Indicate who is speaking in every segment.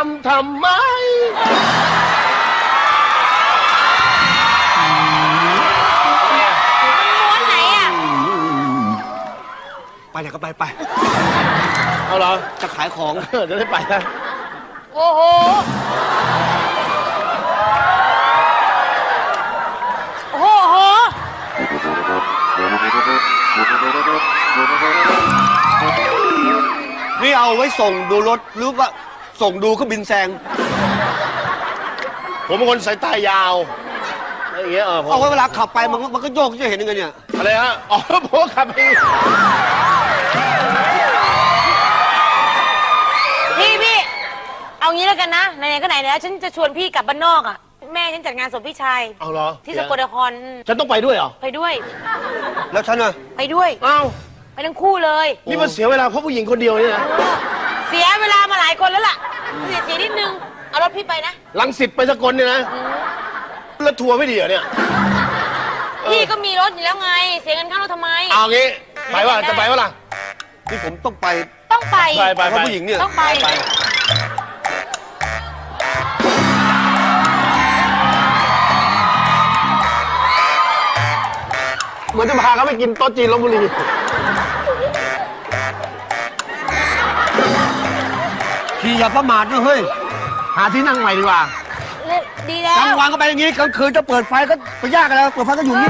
Speaker 1: ำทำไม
Speaker 2: ม้วนไหนอ่ะ
Speaker 3: ไปไหนก็ไป
Speaker 1: เอาเหรอ
Speaker 3: จะขายของ
Speaker 1: จะได้ไปนะ
Speaker 2: โอ้โหโอ้โห
Speaker 3: นี่เอาไว้ส่งดูรถหรือว่าส่งดูเครื่องบินแซง
Speaker 1: ผมเป็นคนสายตายาวอะไรอย่างเงี้ย
Speaker 3: เอาไว้เวลาขับไปมันก็โยกจะเห็นยังไงเนี่ย
Speaker 1: อะไรฮะอ๋อผมขับไป
Speaker 2: พี่เอางี้แล้วกันนะไหนๆก็ไหนแล้วฉันจะชวนพี่กลับบ้านนอกอ่ะแม่ฉันจัดงานศพพี่ชาย
Speaker 1: เอาเหรอ
Speaker 2: ที่สกลนคร
Speaker 1: ฉันต้องไปด้วยเหรอ
Speaker 2: ไปด้วย
Speaker 3: แล้วฉันน่ะ
Speaker 2: ไปด้วย
Speaker 1: อ้าว
Speaker 2: ไปทั้งคู่เลย
Speaker 1: นี่มันเสียเวลาเพราะผู้หญิงคนเดียวนี่นะ
Speaker 2: เสียเวลามาหลายคนแล้วล่ะเสียนิดนึงเอารถพี่ไปนะ
Speaker 1: รังสิตไปสกลเนี่ยนะแล้วทัวร์ไม่ดีเหรอเนี่ย
Speaker 2: พี่ก็มีรถอยู่แล้วไงเสียเงินค่ารถทำไม
Speaker 1: เอางี้ไปว่าจะไปว่าล่ะ
Speaker 3: นี่ผมต้องไป
Speaker 1: เพ
Speaker 3: ราะผู้หญิงเนี่ย
Speaker 2: ต้องไป
Speaker 1: เหมือนจะพาเขาไปกินโต๊ะจีนลพบุรี
Speaker 3: ขี่อย่าประมาทนะเฮ้ย
Speaker 1: หาที่นั่งใหม่ดีกว่า
Speaker 2: ดีแล้ว
Speaker 3: กลางวันก็ไปอย่างนี้กลางคืนจะเปิดไฟก็ไปยากกันแล้วเปิดไฟก็อยู่นี่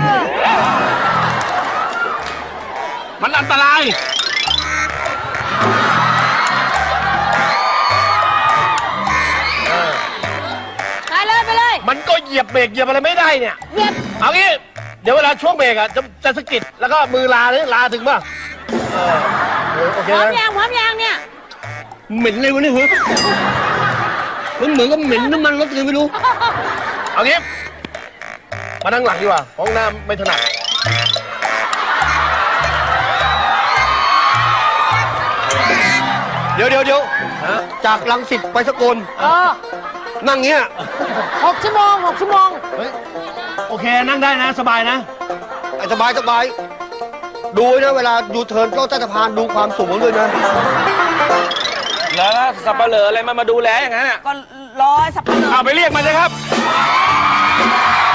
Speaker 1: มันอันตราย
Speaker 2: ไปเลย
Speaker 1: มันก็เหยียบเบรกเหยียบอะไรไม่ได้เนี่ย
Speaker 2: เหยียบ
Speaker 1: เอางี้เดี๋ยวเวลาช่วงเบรกอ่ะจะสะกิดแล้วก็มือลาเลยลาถึงป่ะโอเค
Speaker 2: พร้อมยังเนี่ย
Speaker 3: เหม็นเลยวะเนี่ยมันเหมือนกับเหม็นน้ำมันรถเลยไม่รู้
Speaker 1: เอางี้มานั่งหลังดีกว่าห้องน้ำไม่ถนัด
Speaker 3: เดี๋ยวจากรังสิตไปสกลนั่งเงี้ย
Speaker 2: 6 ชั่วโมง
Speaker 1: โอเคนั่งได้นะสบายนะ
Speaker 3: สบายดูนะเวลายูเทิร์นรถใต้สะพานดูความสูงด้วยนะ
Speaker 1: แล้วสับปะเหร่ออะไรมาดูแลอย่างนั้นอ่ะ
Speaker 2: ก็รอสับปะเหร่อ
Speaker 1: เอาไปเรียกมาเลยครับ